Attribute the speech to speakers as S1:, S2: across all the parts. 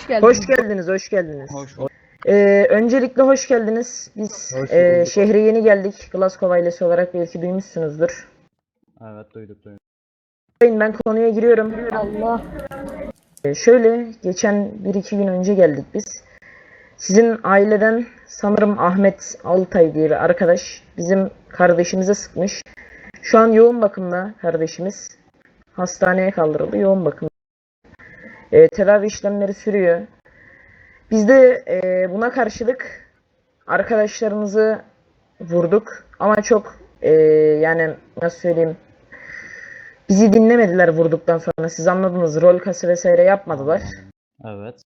S1: Hoş geldiniz, hoş geldiniz.
S2: Hoş bulduk.
S1: Öncelikle hoş geldiniz. Biz şehre yeni geldik. Glasgow ailesi olarak belki duymuşsunuzdur.
S2: Evet, duyduk.
S1: Ben konuya giriyorum. Allah. Şöyle, geçen 1-2 gün önce geldik biz. Sizin aileden sanırım Ahmet Altay diye bir arkadaş bizim kardeşimize sıkmış. Şu an yoğun bakımda kardeşimiz. Hastaneye kaldırıldı, yoğun bakım. Tedavi işlemleri sürüyor. Biz de buna karşılık arkadaşlarımızı vurduk ama çok yani nasıl söyleyeyim, bizi dinlemediler vurduktan sonra, siz anladınız, rol kası vesaire yapmadılar.
S2: Evet.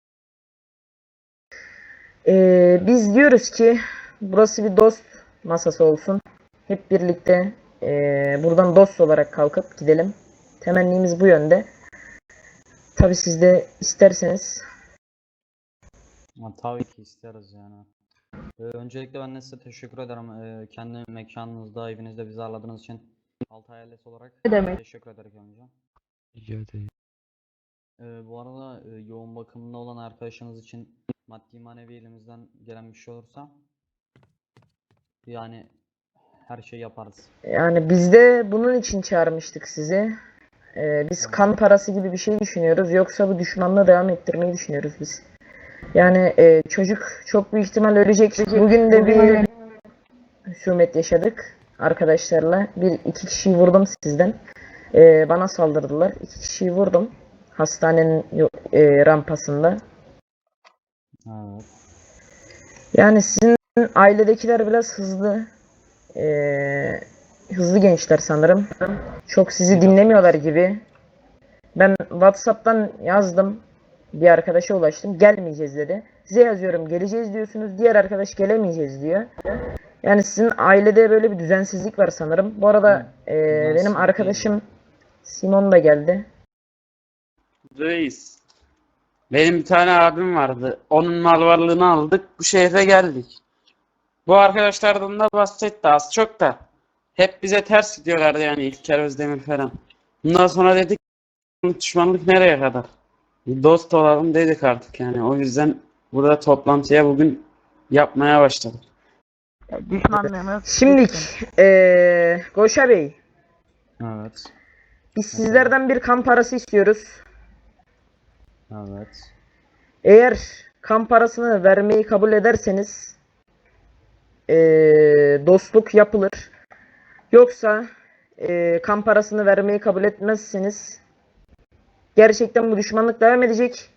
S1: Biz diyoruz ki burası bir dost masası olsun, hep birlikte buradan dost olarak kalkıp gidelim, temennimiz bu yönde. Tabi siz de isterseniz.
S2: Tabii ki isteriz yani. Öncelikle ben de size teşekkür ederim. Kendi mekanınızda, evinizde bizi ağırladığınız için Altay ailesi olarak
S1: Ne demek?
S2: teşekkür ederim önce.
S3: Rica ederim.
S2: Bu arada yoğun bakımda olan arkadaşınız için maddi manevi elimizden gelen bir şey olursa yani her şeyi yaparız.
S1: Yani biz de bunun için çağırmıştık sizi. Biz kan parası gibi bir şey düşünüyoruz. Yoksa bu düşmanlığı devam ettirmeyi düşünüyoruz biz. Yani çocuk çok büyük ihtimal ölecek. Bugün de bir husumet yaşadık arkadaşlarla. İki kişiyi vurdum sizden. Bana saldırdılar. 2 kişiyi vurdum. Hastanenin rampasında.
S2: Evet.
S1: Yani sizin ailedekiler biraz hızlı gençler sanırım. Çok sizi dinlemiyorlar gibi. Ben WhatsApp'tan yazdım. Bir arkadaşa ulaştım. Gelmeyeceğiz dedi. Size yazıyorum, geleceğiz diyorsunuz. Diğer arkadaş gelemeyeceğiz diyor. Yani sizin ailede böyle bir düzensizlik var sanırım. Bu arada benim arkadaşım Simon da geldi.
S4: Reis. Benim bir tane abim vardı. Onun mal varlığını aldık. Bu şehre geldik. Bu arkadaşlardan da bahsetti az çok da. Hep bize ters gidiyorlardı yani İlker Özdemir falan. Bundan sonra dedik düşmanlık nereye kadar? Bir dost olalım dedik artık yani. O yüzden burada toplantıya bugün yapmaya başladık.
S1: Şimdi Goşa Bey,
S2: Evet.
S1: biz sizlerden bir kan parası istiyoruz.
S2: Evet.
S1: Eğer kan parasını vermeyi kabul ederseniz dostluk yapılır. Yoksa kan parasını vermeyi kabul etmezseniz gerçekten bu düşmanlık devam edecek.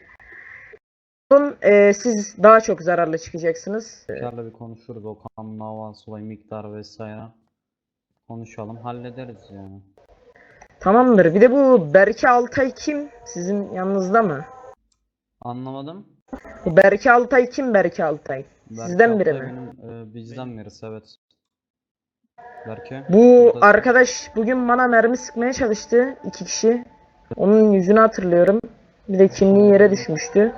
S1: Siz daha çok zararlı çıkacaksınız.
S2: İlker'le bir konuşuruz, o kan davası olayı, miktar vesaire. Konuşalım, hallederiz yani.
S1: Tamamdır. Bir de bu Berke Altay kim? Sizin yanınızda mı?
S2: Anlamadım.
S1: Bu Berke Altay kim, Berke Altay? Sizden biri
S2: Berke
S1: mi?
S2: benim, bizden birisi, evet. Berke.
S1: Bu
S2: buradasın.
S1: arkadaş bugün bana mermi sıkmaya çalıştı. 2 kişi. Onun yüzünü hatırlıyorum. Bir de kimliği yere düşmüştü.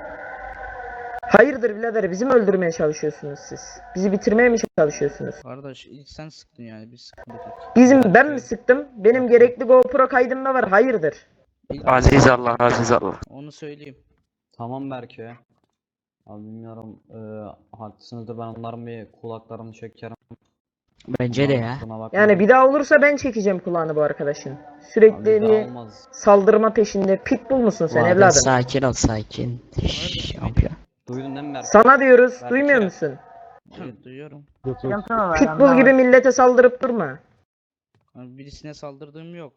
S1: Hayırdır birader, bizi mi öldürmeye çalışıyorsunuz siz? Bizi bitirmeye mi çalışıyorsunuz?
S3: Kardeş ilk sen sıktın yani biz sıkmadık.
S1: Ben mi sıktım? Benim gerekli GoPro kaydımda var. Hayırdır?
S4: Aziz Allah, aziz Allah.
S3: Onu söyleyeyim.
S2: Tamam Berke. Abi bilmiyorum, haklısınızdır, ben onların bir kulaklarını çekerim.
S5: Bence de ya.
S2: Kusuruna bakmayın.
S1: Yani bir daha olursa ben çekeceğim kulağını bu arkadaşın. Sürekli
S2: Abi bir daha
S1: bir
S2: olmaz.
S1: saldırma peşinde. Pitbull musun sen
S5: Vade,
S1: evladım?
S5: sakin ol sakin. Şşş, yapıyor.
S2: Duydun değil mi Berke?
S1: Sana diyoruz,
S2: Berke.
S1: duymuyor musun?
S3: Evet duyuyorum.
S1: Pitbull gibi millete saldırıp durma.
S3: Yani birisine saldırdığım yok.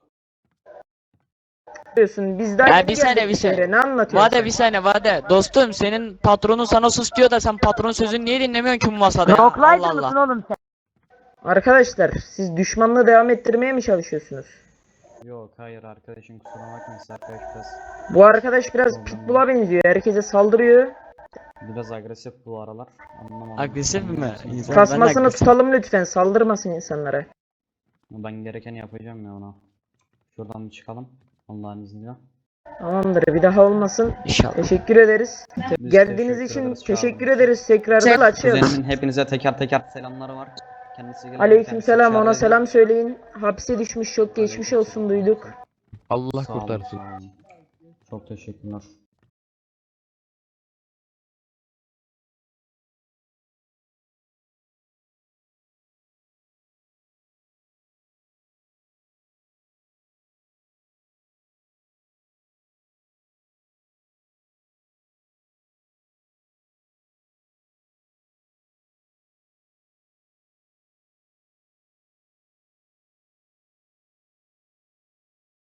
S1: Diyorsun biz daha
S5: Ya
S1: yeni
S5: bir saniye,
S1: geldik
S5: bir saniye.
S1: şehre, ne anlatıyorsun
S5: Vade
S1: sen?
S5: bir saniye Vade. Dostum senin patronun sana sus diyor da sen patronun sözünü niye dinlemiyorsun ki bu masada ya? Allah Allah.
S1: Arkadaşlar siz düşmanlığı devam ettirmeye mi çalışıyorsunuz?
S2: Yok hayır arkadaşım, kusura bakmayın, siz arkadaş
S1: Bu arkadaş biraz Pitbull'a benziyor. Herkese saldırıyor.
S2: biraz agresif bu aralar. Anlamadım.
S5: Agresif mi? İnsan-
S1: Tasmasını
S5: agresif.
S1: tutalım lütfen. Saldırmasın insanlara.
S2: Ben gerekeni yapacağım ya ona. Şuradan bir çıkalım. Allah'ın izniyle.
S1: Tamamdır. Bir daha olmasın.
S5: İnşallah.
S1: Teşekkür ederiz.
S2: Biz
S1: Geldiğiniz
S2: teşekkür
S1: için
S2: ederiz,
S1: teşekkür
S2: çağırdığınız için.
S1: ederiz. Tekrardan açıyoruz.
S2: Kuzenimin hepinize teker teker selamları var. Kendisi gelir.
S1: Aleykümselam, ona selam söyleyin. Hapse düşmüş, çok geçmiş olsun, duyduk.
S3: Allah
S2: Sağ olun,
S3: kurtarsın.
S2: sağ olun. Çok teşekkürler.